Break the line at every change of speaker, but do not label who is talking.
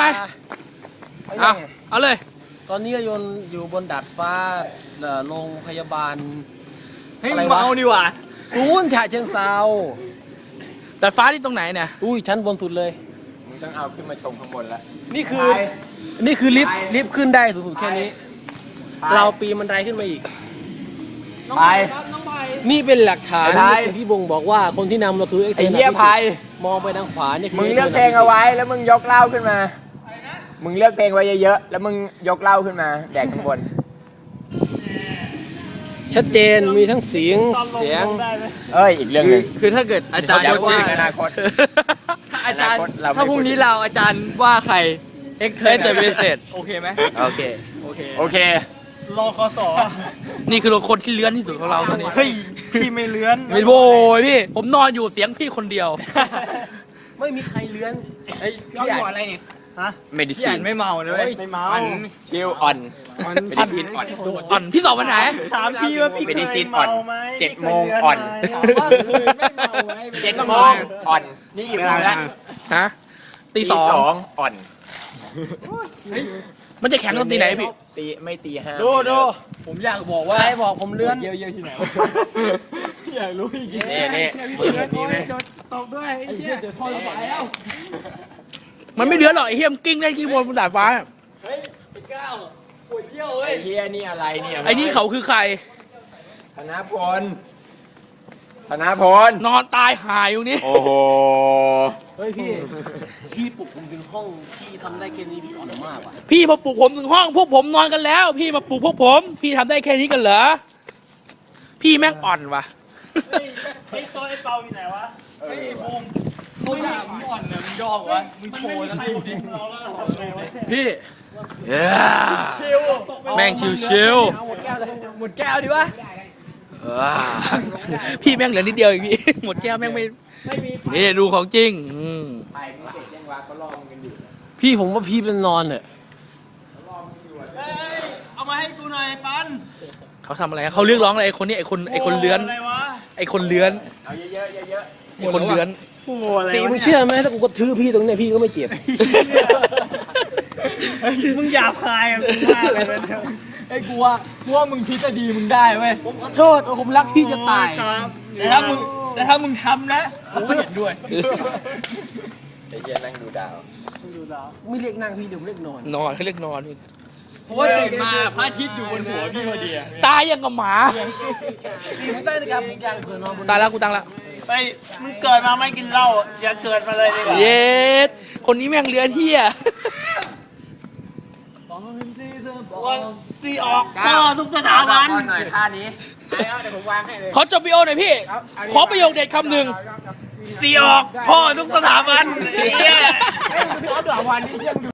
เอาเลย
ตอนนี้โยนอยู่บนดาดฟ้าโรงพยาบาล
ให้เมาดีกว่า
ฉะเชิงเซา
ดาดฟ้าที่ตรงไหนเนี่ย
อุ้ยชั้นบนสุดเลย
มึงต้องเอาขึ้นมาชมข้างบนแล้ว
นี่คือลิฟต์ขึ้นได้สูงสุดแค่นี้ เราปีนบันไดขึ้นมาอีก
ไป
นี่เป็นหลักฐาน
ไอ้ไทย
สิ่งที่บ่งบอกว่าคนที่นำเราคือ
ไอ้เหี้ยไพ
มองไปทางขวานี่คือ
มึงเลือกเพลงเอาไว้แล้วมึงยกเหล้าขึ้นมามึงเลือกเพลงไว้เยอะๆแล้วมึงยกเหล้าขึ้นมาแดกข้างบน
ชัดเจนมีทั้งเสียง
เอ้ยอีกเรื่องหนึง
คือถ้าเกิดอาจารย์
เดี๋ยว
ว่า
อนาคต
อาจารย์
อนาคตเราไม่
ถ้าพรุ่งนี้เราอาจารย์ว่าใครเอ็กเทอร์เบสโอเคไหม
โอเคโอเค
รอคส
นี่คือคนที่เลื้อนที่สุดของเราตอนนี้
เฮ้ยพี่ไม่เลื้อน
ไม่โว้ยพี่ ผมนอนอยู่เสียงพี่คนเดียว
ไม่มีใครเลื้อน
เฮ้ยพี่อ่านอะไรเนี่ย
เมดิ
พี่
ซิ
อ่าน นไม่เมานะเว้ย
ไม่เมา
ชิลอ่อนเมดิซินอ่อน
อ่อนพี่สอบวันไหน
ถามพี่ว่าพี่
เมดิ
เค
ซิ
ย
นอ่อน
เมาไหม
7 โมงอ่อน
ว่าเคยไม่เมาไหม
7 โมงอ่อนนี่กี่โมงแล้ว
ฮะตี
ตี
สอง
อ่อน
มันจะแข่งตอนตีไหนพี่
ตีไม่ตีห้า
ดู
ผมอยากบอกว่า
ใครบอกผมเลื้อน
เยอะๆที่ไหน
อยากรู้อีก
นี่นี่นี่ไหม
ตบด้วยไอ้เหี้ย
มันไม่เลื้อนหรอกไอ้เฮียมนกิ้งได้กิ้งบนดาดฟ้า
เฮ้ยไอ้ก้าวปวดเยี่ยวเว้
ไอ้
ย
เฮียนี่อะไรเนี่ย
ไอ้นี่เขาคือใคร
ธนพลธนพล
นอนตายหายอยู่นี่
โอ้โห
เฮ้ยพี่ปลุกผมถึงห้องพี่ทำได้แค่นี้พี่อ่อนมากว่ะ
พี่มาปลุกผมถึงห้องพวกผมนอนกันแล้ว พี่มาปลุกพวกผม พี่ทำได้แค่นี้กันเหรอ พี่แม่งอ่อนว่ะ
ไอ้โซนไอ้เปาอยู่ไหนวะ
เฮ้ยบูมเขาด่ามึงอ่อนเนี่ยมึงยอมวะมึงโชว์แล้วดูดิ
เราแล้วทำไงวะ
พี่
เย้
ชิว
แม่งชิว
หมดแก้วดิวะ
ๆพี่แม่งเหลือนิดเดียวอีกพี่ หมดแก้วแม่งไม่นี่ดูของจริง
ไปมึงเสร็จยังวะเขารอมึงกันอยู่
พี่ผมว่าพี่เป็นนอนเนี่ย
เฮ้ยเอามาให้กูหน่อยปัน
เขาทำอะไรเขาเรียกร้องอะไรไอ้คนนี้ไอ้คนเลื้อน
อะไรวะ
ไอ้คนเลื้อน
เอาเยอะๆเยอะ
ไอ้คนเลื้อน
โอ้โหอะไร
ตี
วะ
มึง
เนี่ย
เชื่อไหมถ้ากูกระทืบพี่ตรงเนี้ยพี่ก็ไม่เจ็บ
เฮ้ยมึงหยาบคายอ่ะกูมากเลยนะเนี่ย
ไอ้กูว่ามึงพิจารณามึงได้เว้ย
ผมขอโทษผมรักพี่จะตาย
ครับ
แต่ถ้ามึงทำนะกูก็เห็นด้วย
ๆไอ้เฮียนั่งดูดาว
ดูดาว
ไม่เรียกนั่งพี่เดี๋ยวผมเรียกนอน
นอนเขาเรียกนอน
เพราะว่าตื่นมาพระอาทิตย์อยู่บนหัวพี่พอดีอะ
ตายยังกับหมา
ตีมึงใต้นาฬิกาปลุกยังเผื่อนอนบน
ตายแล้วกูตั้งละ
ไปมึงเกิดมาไม่กินเหล้าอย่าเกิดมาเลยดีกว่า
เย็ดคนนี้แม่งเลื้อนเที่ย
ว่าซีออกพ่อทุกสถาบัน
หน่อยท่านี้เอาเดี๋ยวผมวางให้เลย
ขอจบวิดีโอหน่อยพี่ ขอประโยคเด็ดคำหนึ่ง
ซีออกพ่อทุกสถาบันเฮีย
เอาเดี๋ยววันนี้ยัง